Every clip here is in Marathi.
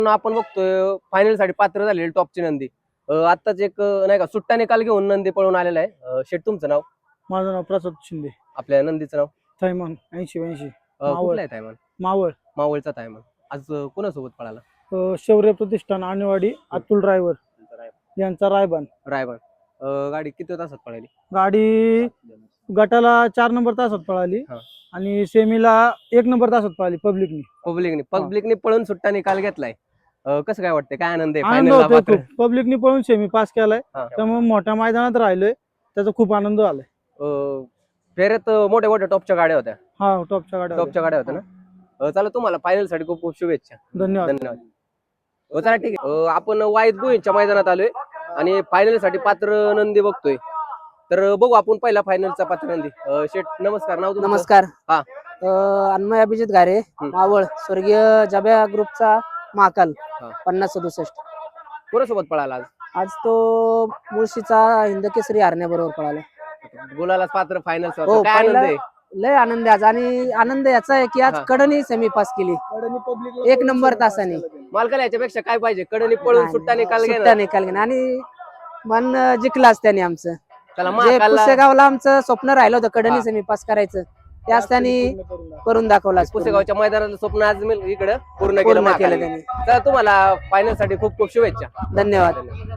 आपण बघतोय फायनल साठी पात्र झालेली टॉपची नंदी आताच एक नाही का सुट्टा निकाल घेऊन नंदी पळून आलेला आहे. शेट तुमचं नाव? माझं नाव प्रसाद शिंदे. आपल्या नंदीचं नाव? थैमान 80-82. कुठला आहे तायमान? मावळ. मावळचा तायमान. आज कोणासोबत पळाला? शौर्य प्रतिष्ठान आणेवाडी अतुल ड्रायव्हर यांचा रायबान. गाडी किती तासात पळाली? गाडी गटाला 4 नंबर तासात पळाली आणि सेमीला 1 नंबर तासात पळाली पब्लिकनी पळून सुट्टा निकाल घेतलाय. कसं काय वाटतंय? काय आनंद आहे? आनंद होतोय. पब्लिकनी पळून सेमी पास केलाय त्यामुळे मोठ्या मैदानात राहिलोय, त्याचा खूप आनंद झालाय. फेऱ्यात मोठ्या टॉपच्या गाड्या होत्या. हा, टॉपच्या गाड्या होत्या ना. चला तुम्हाला फायनल साठी खूप खूप शुभेच्छा. धन्यवाद. चला ठीक आहे. आपण वाईद भुईंच्या मैदानात आलोय आणि फायनल साठी पात्र नंदी बघतोय. तर बघू आपण पहिला फायनलचा पात्र नंदी. शेठ नमस्कार. नाव तुमचं? नमस्कार. हा. अन्मय अभिजित घारे, मावळ, स्वर्गीय जब्या ग्रुपचा महाकाल 50-67. कोणासोबत पळाला आज? आज तो मुळशीचा हिंदकेसरी हरण्या बरोबर पळाला. बोलायला पात्र फायनल. हो, काय आनंद आहे? लय आनंद आहे आज. आणि आनंद याचा आहे की आज कडनी सेमी पास केली 1 नंबर तासाने. मालकाला याच्यापेक्षा काय पाहिजे? कडनी पळून सुट्टा निकाल घेणं आणि मन जिंकलाच त्याने आमचं. चला जे पुसेगावला आमचं स्वप्न राहिलं होतं कडनी सेमी पास करायचं, त्याच त्यांनी करून दाखवला. पुसेगावच्या मैदानाचं स्वप्न आज इकडे पूर्ण केलं त्यांनी. तर तुम्हाला फायनल साठी खूप खूप शुभेच्छा. धन्यवाद.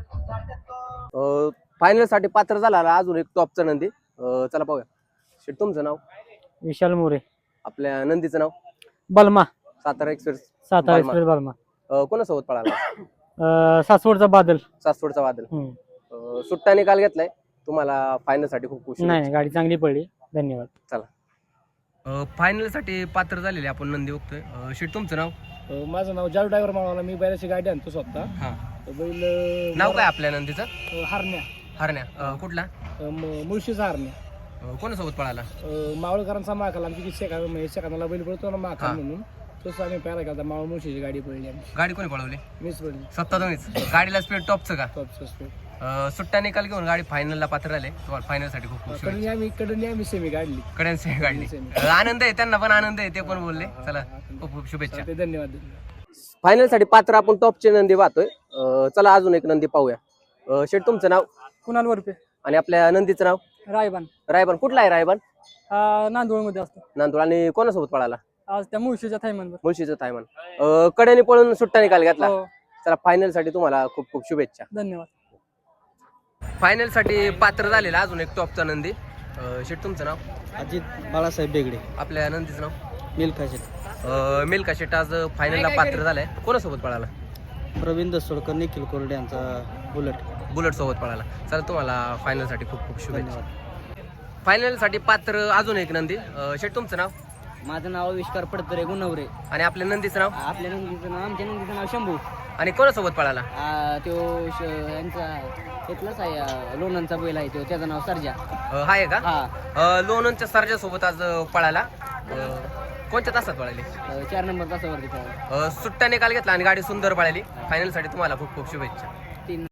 फायनल साठी पात्र झाला अजून एक टॉपचा नंदी. चला पाहूया. शेट तुमचं नाव? विशाल मोरे. आपल्या नंदीचं नाव? बलमा. सातारा एक्सप्रेस. बलमा. कोणासोबत पळाला? सासवडचा बादल. सासवडचा बादल. सुट्टा निकाल घेतलाय. तुम्हाला फायनल साठी खूप खुश. नाही, गाडी चांगली पडली. धन्यवाद. चला फायनल साठी पात्र झालेले आपण नंदी बघतोय. शेट तुमचं नाव? माझं नाव जालू ड्रायव्हर माळवाला. मी बैलाची गाडी आणतो स्वतः. बैल नाव काय आपल्या नंदीचं? हरण्या. कुठला? मुळशीचा हरण्या. कोणासोबत पळाला? मावळकरांचा महाकाल. आमची सेकंदाला बैल पळतो ना महाकाल म्हणून, तसं आम्ही पहिला केला. मावळ मुळशीची गाडी पळली. गाडी कोणी पळवली? मीच पळली. स्वतः तुम्हीच? गाडीला स्पीड टॉपचं का? टॉपचं स्पीड. सुट्टा निकाल घेऊन गाडी फायनलला पात्र झाले. तुम्हाला फायनल साठी खूप खूप कडनी आम्ही सेमी काढली. कड्यांनी काढली. आनंद आहे, त्यांना पण आनंद आहे, ते पण बोलले. चला खूप खूप शुभेच्छा. धन्यवाद. फायनल साठी पात्र आपण टॉपचे नंदी पाहतोय. चला अजून एक नंदी पाहूया. शेठ तुमचं नाव? कुणाल वरपे. आणि आपल्या नंदीचं नाव? रायबान. कुठला आहे रायबान? नांदूळ मध्ये असतो. नांदूळ. आणि कोणासोबत पळाला? आज त्या मुळशीच्या थायमान. कड्याने पळून सुट्टा निकाल घेतला. चला फायनल साठी तुम्हाला खूप खूप शुभेच्छा. धन्यवाद. फायनल साठी पात्र झालेला अजून एक टॉपचा नंदी. शेठ तुमचं नाव? अजित बाळासाहेब बेगडे. आपल्या नंदीचं नाव? मिल्खा शेट. मिल्खा शेट आज फायनलला पात्र झालाय. कोणासोबत पळाला? प्रवीण दसोडकर, निखिल कोरडे यांचा बुलेट सोबत पळाला. चला तुम्हाला फायनल साठी खूप खूप शुभेच्छा. फायनल साठी पात्र अजून एक नंदी. शेठ तुमचं नाव? माझं नाव विष्कार पडतरे गुणवरे. आणि आपल्या नंदीचं नाव? आमच्या नंदीचं नाव शंभू. आणि कोणासोबत पळाला? तो यांचा इथलाच आहे, लोणंदचा बैल आहे तो, त्याचं नाव सर्जा. आहे का? लोणंदच्या सर्जा सोबत आज पळाला. कोणत्या तासात पळाली? 4 नंबर तासावरती पळाला. सुट्टा निकाल घेतला आणि गाडी सुंदर पळाली. फायनल साठी तुम्हाला खूप खूप शुभेच्छा.